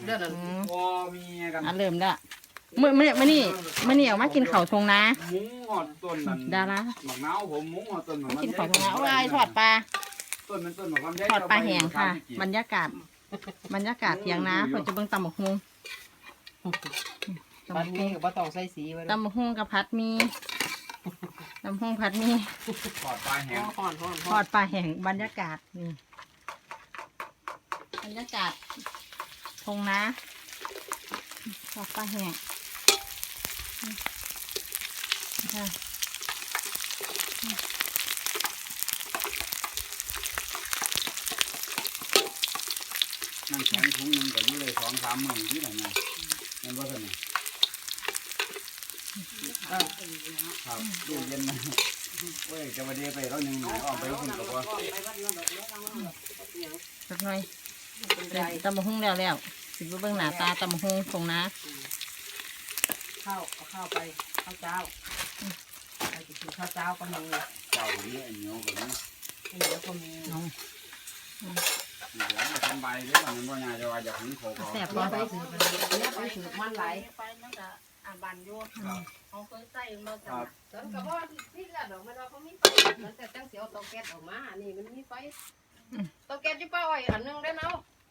เลือดพอมีกันเริ่มละมื้อนี่ออกมากินข้าวทงนะหมูหอดต้นนั่นดาราหมักนาวผมหมูหอดต้นกินข้าวทงนะโอ้ยทอดปลาต้นมันต้นของความใหญ่ทอดปลาแห้งค่ะบรรยากาศเถียงนาเพิ่นจะเบิ่งตำบักหุ่งพัดมีกับบ่ต้องใส่สีไว้ตำบักหุ่งกับผัดมีตำบักหุ่งผัดมีทอดปลาแห้งทอดปลาแห้งบรรยากาศนี่บรรยากาศทงนาทอดปลาแห้งค่ะนั่งแข็งถุงนึงก็อยู่เลย2-3 มื้อที่ไหนนะนั่นว่าซั่นครับดูเย็นนะเว้ยจะมาเดียไปแล้วยังออกไปแล้วคุณบอกว่าสักหน่อยตำบักหุ่งแล้วสิบเบิ่งหน้าตาตำบักหุ่งทงนาข้าวไปข้าวเจ้าไปกินข้าวเจ้าก็มีเจ้าเนี้ยเหนียวกว่านี้เหนียวก็มีน้องเดี๋ยวทำใบหรือเปล่ามันว่าไงจะว่าจะถึงโคกแซ่บไปถือไปถือมันไหลไปนั่นก็บันอยู่เขาเคยใส่มาจ้ะตอนกับว่าที่ละดอกมันว่าเขามีไฟมันแต่ตั้งเสียวเตาแก๊สออกมานี่มันมีไฟเตาแก๊สที่ป้าไว้อันนึงได้เนาะ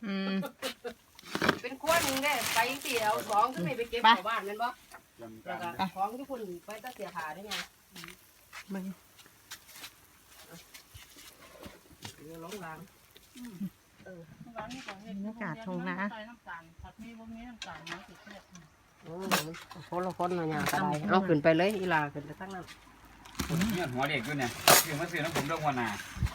เป็นขั้วนึงได้ไปตีเอาของขึ้นไปเก็บของบ้านมันบ่แล้วก็ของที่คุณไปตั้งเสียหาได้ไงมึงล้มล้างบรรยากาศทงนาคนมาอย่างไรเอาขึ้นไปเลยอีลาขึ้นไปทั้งนั้นเนี่ยหัวเด็กด้วยเนี่ยซื้อมาซื้อน้ำผมด้วยหัวหนา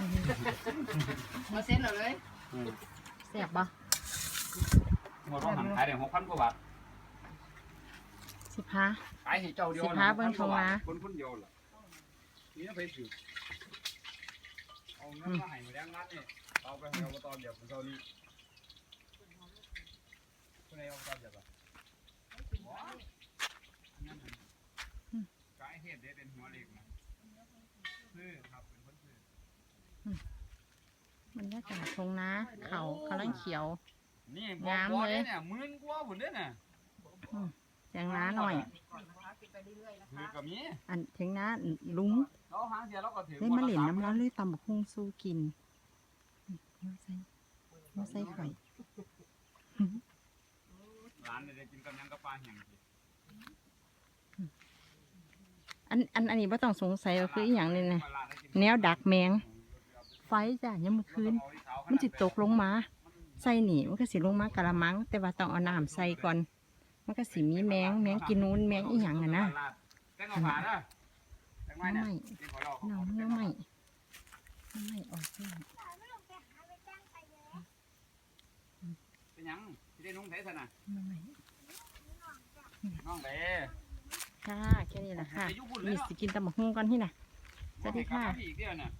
มาเส้นเอาเลยแซ่บปะหัวต้องหันขายได้6,000 กว่าบาท 15 ขายให้เจ้าเดียวเบิ่งทงนาคนเดียวล่ะนี่ไปซื้อเอาเงินมาให้มาแดงนัดนี่เอาไปให้อบตเดี๋ยวผมเท่านี้คุณนายอบตเดี๋ยวป่ะกายเฮ็ดได้เป็นหัวเล็กนะซื้อครับเป็นคนซื้อบรรยากาศทงนาเขากำลังเขียวนี่งามเลยเนี่ย10,000 กว่าพุ่นเด้อน่ะเถียงนาหน่อยคือกับมีอันเถียงนาลุงเราหาเสียเราก็ถือได้มาเหล่นน้ำร้อนเลยตำบักหุ่งสู้กินมาใส่ไข่ร้านได้กินกับยังกับปลาแห้งอันนี้ไม่ต้องสงสัยว่าคืออย่างนึงนะแนวดักแมงไฟจ้ะยังเมื่อคืนมันจิตกลงมาใส่หนีมันก็สิลงมากระมังแต่ว่าต้องเอาน้ำใส่ก่อนมันก็สิมีแมงกินนู้นแมงอีหยังอ่ะนะน้ำไม่ออกซิเป็นยังที่ได้นุ่งเทสนะน้องเด้ค่ะแค่นี้แหละค่ะมีสิกินตำบักหุ่งก่อนที่น่ะสวัสดีค่ะ